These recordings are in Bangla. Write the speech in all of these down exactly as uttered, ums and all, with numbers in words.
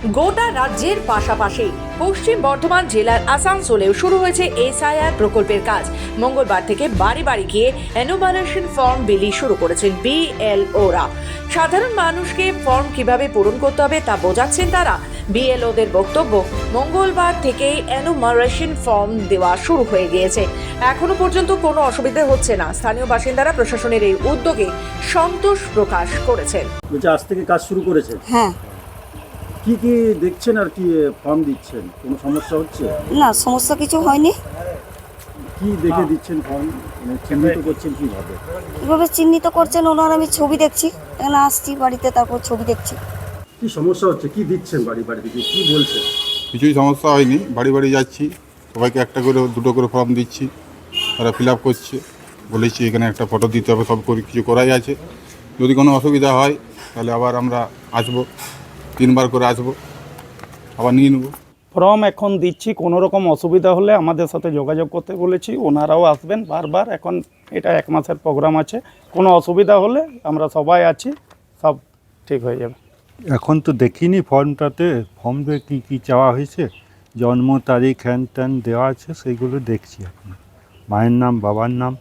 গোটা রাজ্যের পাশাপাশি পশ্চিম বর্ধমান জেলার আসানসোলেও শুরু হয়েছে এসআইআর প্রকল্পের কাজ। মঙ্গলবার থেকে বাড়ি বাড়ি গিয়ে এনুমারেশন ফর্ম বিলি শুরু করেছেন বিএলওরা। সাধারণ মানুষকে ফর্ম কিভাবে পূরণ করতে হবে তা বোঝাচ্ছেন তারা। বিএলওদের বক্তব্য, মঙ্গলবার থেকেই এনুমারেশন ফর্ম দেওয়া শুরু হয়ে গিয়েছে, এখনো পর্যন্ত কোনো অসুবিধা হচ্ছে না। স্থানীয় বাসিন্দারা প্রশাসনের এই উদ্যোগে সন্তোষ প্রকাশ করেছেন। বলছে আজ থেকে কাজ শুরু করেছে, হ্যাঁ। কি কি দেখছেন আর কি ফর্ম দিচ্ছেন? কোনো সমস্যা হচ্ছে? না, সমস্যা কিছু হয়নি। কি দেখে দিচ্ছেন ফর্ম, মানে চিহ্নিত করছেন কিভাবে? কীভাবে চিহ্নিত করছেন ওনার আমি ছবি দেখছি, এখানে আসছি বাড়িতে, তারপর ছবি দেখছি। কি সমস্যা হচ্ছে, কি দিচ্ছেন বাড়ি বাড়ি থেকে, কি বলছেন? কিছুই সমস্যা হয়নি, বাড়ি বাড়ি যাচ্ছি, সবাইকে একটা করে দুটো করে ফর্ম দিচ্ছি, তারা ফিল আপ করছে। বলেছি এখানে একটা ফটো দিতে হবে, সব করে কিছু করাই আছে। যদি কোনো অসুবিধা হয় তাহলে আবার আমরা আসবো, তিনবার করে আসবো, আবার নিয়ে নেবো। ফর্ম এখন দিচ্ছি, কোনো রকম অসুবিধা হলে আমাদের সাথে যোগাযোগ করতে বলেছি, ওনারাও আসবেন বারবার। এখন এটা এক মাসের প্রোগ্রাম আছে, কোনো অসুবিধা হলে আমরা সবাই আছি, সব ঠিক হয়ে যাবে। এখন তো দেখিনি ফর্মটাতে, ফর্মে কী কী চাওয়া হয়েছে, জন্ম তারিখ হ্যান ত্যান দেওয়া আছে, সেইগুলো দেখছি এখন। মায়ের নাম, বাবার নাম।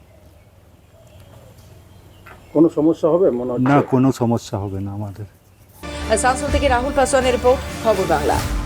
কোনো সমস্যা হবে মনে হচ্ছে? না, কোনো সমস্যা হবে না আমাদের। আসানসোল থেকে রাহুল পাসওয়ানের রিপোর্ট, খবর বাংলা।